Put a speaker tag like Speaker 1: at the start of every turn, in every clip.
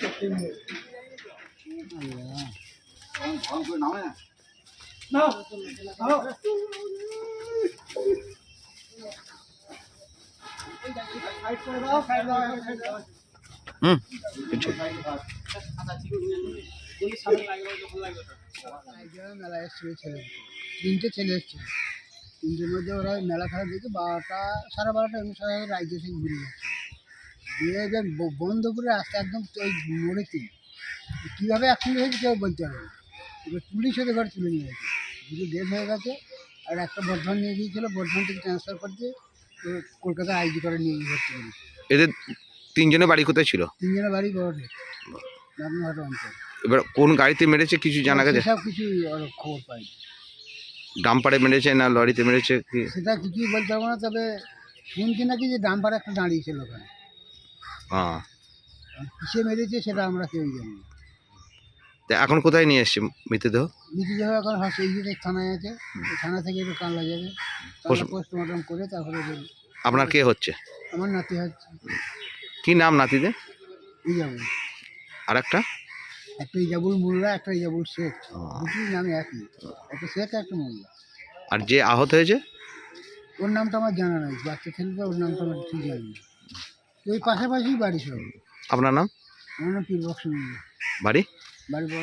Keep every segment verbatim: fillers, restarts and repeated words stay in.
Speaker 1: মেলা এসেছিল ছেলে, তিনটে ছেলে এসেছিল। তিনটের মধ্যে ওরা মেলা খেলা দেখে বারোটা সাড়ে বারোটা অনুসারে রাজ্য থেকে ঘুরে যাচ্ছে। দিয়ে যে বন্ধপুরে রাস্তা একদম ওই মোড়েতে কীভাবে অ্যাক্সিডেন্ট হয়েছে কেউ বলতে পারবে না। এবার পুলিশ ওদের ঘরে তুলে নিয়ে গেছে, দুটো ডেথ হয়ে গেছে। আর একটা বর্ধমান নিয়ে গিয়েছিল, বর্ধমান থেকে ট্রান্সফার করতে কলকাতা আইজি করে নিয়ে গিয়ে ভর্তি করেছে।
Speaker 2: এদের তিনজনের বাড়ি কোথায় ছিল?
Speaker 1: তিনজনের বাড়ি বড় রামঘাট অঞ্চল।
Speaker 2: এবার কোন গাড়িতে মেরেছে কিছু জানা গেছে?
Speaker 1: সব কিছু খবর পাই।
Speaker 2: ডাম্পারে মেরেছে না লরিতে মেরেছে কি
Speaker 1: সেটা কিছুই বলতে পারবো না, তবে শুনছি নাকি যে ডাম্পার একটা দাঁড়িয়েছিল ওখানে।
Speaker 2: হ্যাঁ,
Speaker 1: কিসে মেরেছে সেটা আমরা কেউই জানি না।
Speaker 2: এখন কোথায় নিয়ে এসছে মৃতদেহ?
Speaker 1: মৃতদেহ এখন হসপিটাল থানায় আছে, থানা থেকে একটু কানলা যাবে, পোস্টমর্টম করে তারপরে।
Speaker 2: আপনার কে হচ্ছে?
Speaker 1: আমার নাতি হচ্ছে।
Speaker 2: কি নাম নাতিদের?
Speaker 1: ইজাবুল।
Speaker 2: আর একটা
Speaker 1: একটা ইজাবুল মোল্লা, একটা ইজাবুল শেখ, দুটি নামে একই, একটা শেখ একটা মোল্লা।
Speaker 2: আর যে আহত হয়েছে
Speaker 1: ওর নামটা আমার জানা নাই, বাচ্চা ছেলেটা, ওর নামটা আমার ঠিক জানি না। ওই পাশাপাশি বাড়ি সব।
Speaker 2: আপনার নাম?
Speaker 1: আমার নাম পীরবক্স মোল্লা।
Speaker 2: বাড়ি?
Speaker 1: বাড়ি বড়।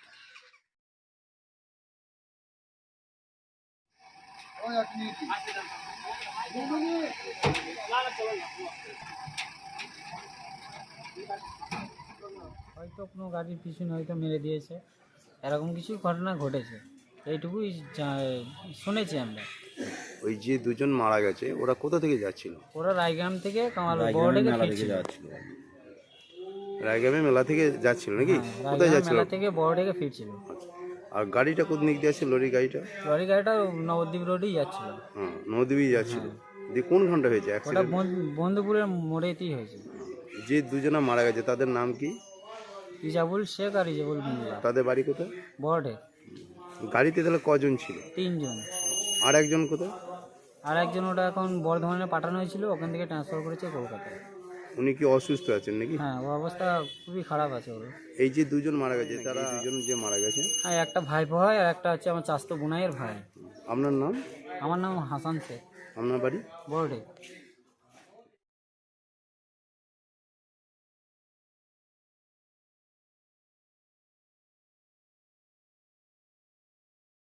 Speaker 3: হয়তো কোনো গাড়ির পিছনে হয়তো মেরে দিয়েছে, এরকম কিছু ঘটনা ঘটেছে, এইটুকুই শুনেছি আমরা।
Speaker 4: ওই যে দুজন মারা গেছে ওরা কোথা থেকে যাচ্ছিল?
Speaker 3: ওরা রায়গ্রাম থেকে কামাল বড় থেকে ফিরছিল।
Speaker 4: রায়গ্রামে মেলা থেকে যাচ্ছিল নাকি? কোথায় যাচ্ছিল?
Speaker 3: মেলা থেকে বড় থেকে ফিরছিল।
Speaker 4: আর গাড়িটা কোন দিক দিয়ে আসছে? লরি গাড়িটা?
Speaker 3: লরি গাড়িটা নবদ্বীপ রোডেই যাচ্ছিল।
Speaker 4: হ্যাঁ, নদীই যাচ্ছিল। দিয়ে কোন ঘন্টা হয়েছে
Speaker 3: ওটা?
Speaker 4: অ্যাক্সিডেন্ট
Speaker 3: বন্ধুপুরের মোড়েতেই হয়েছে।
Speaker 4: যে দুজনা মারা গেছে তাদের নাম কি?
Speaker 3: ইজাবুল শেখ আর ইজাবুল মোল্লা।
Speaker 4: তাদের বাড়ি কোথায়?
Speaker 3: বড়ে।
Speaker 4: গাড়িতে তাহলে কজন ছিল?
Speaker 3: তিনজন।
Speaker 4: আর একজন কোথায়?
Speaker 3: আর একজন ওটা এখন বর্ধমানে পাঠানো হয়েছিল, ওখান থেকে ট্রান্সফার করেছে কলকাতায়।
Speaker 4: উনি কি অসুস্থ আছেন নাকি?
Speaker 3: হ্যাঁ, ওর অবস্থা খুবই খারাপ আছে ওর।
Speaker 4: এই যে দুজন মারা গেছে তারা দুজন যে মারা গেছে,
Speaker 3: হ্যাঁ, একটা ভাইপো হয় আর একটা হচ্ছে আমার চাচাতো বোনাইয়ের ভাই।
Speaker 4: আপনার নাম?
Speaker 3: আমার নাম হাসান শেখ।
Speaker 4: আপনার বাড়ি?
Speaker 3: বড়ে।